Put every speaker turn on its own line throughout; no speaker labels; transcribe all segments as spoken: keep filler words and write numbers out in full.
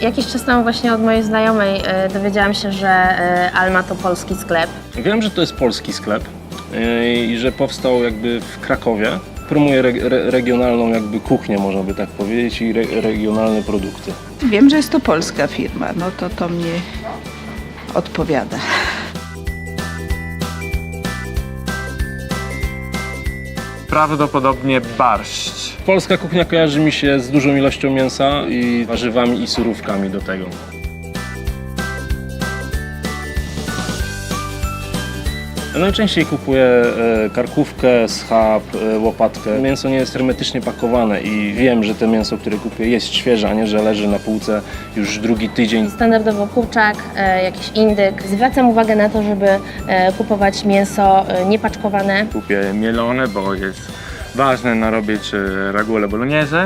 Jakiś czas temu właśnie od mojej znajomej e, dowiedziałam się, że e, Alma to polski sklep.
Wiem, że to jest polski sklep yy, i że powstał jakby w Krakowie. Promuje re, re, regionalną jakby kuchnię, można by tak powiedzieć, i re, regionalne produkty.
Wiem, że jest to polska firma, no to to mnie odpowiada.
Prawdopodobnie barszcz.
Polska kuchnia kojarzy mi się z dużą ilością mięsa i warzywami i surówkami do tego. Najczęściej kupuję e, karkówkę, schab, e, łopatkę. Mięso nie jest hermetycznie pakowane i wiem, że to mięso, które kupuję, jest świeże, a nie, że leży na półce już drugi tydzień.
Standardowo kurczak, e, jakiś indyk. Zwracam uwagę na to, żeby e, kupować mięso e, niepaczkowane.
Kupię mielone, bo jest ważne narobić e, raguole bolognese.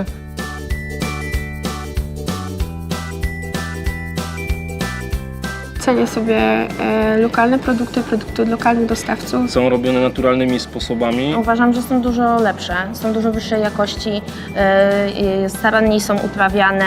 Cenię sobie e, lokalne produkty, produkty od lokalnych dostawców.
Są robione naturalnymi sposobami.
Uważam, że są dużo lepsze, są dużo wyższej jakości, e, e, staranniej są uprawiane.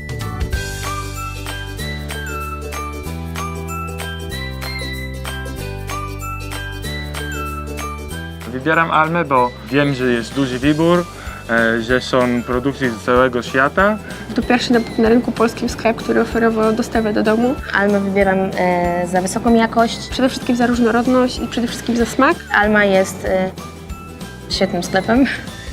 Wybieram Almę, bo wiem, że jest duży wybór, e, że są produkty z całego świata.
To pierwszy na, na rynku polskim sklep, który oferował dostawę do domu.
Almę wybieram e, za wysoką jakość.
Przede wszystkim za różnorodność i przede wszystkim za smak.
Alma jest e, świetnym sklepem.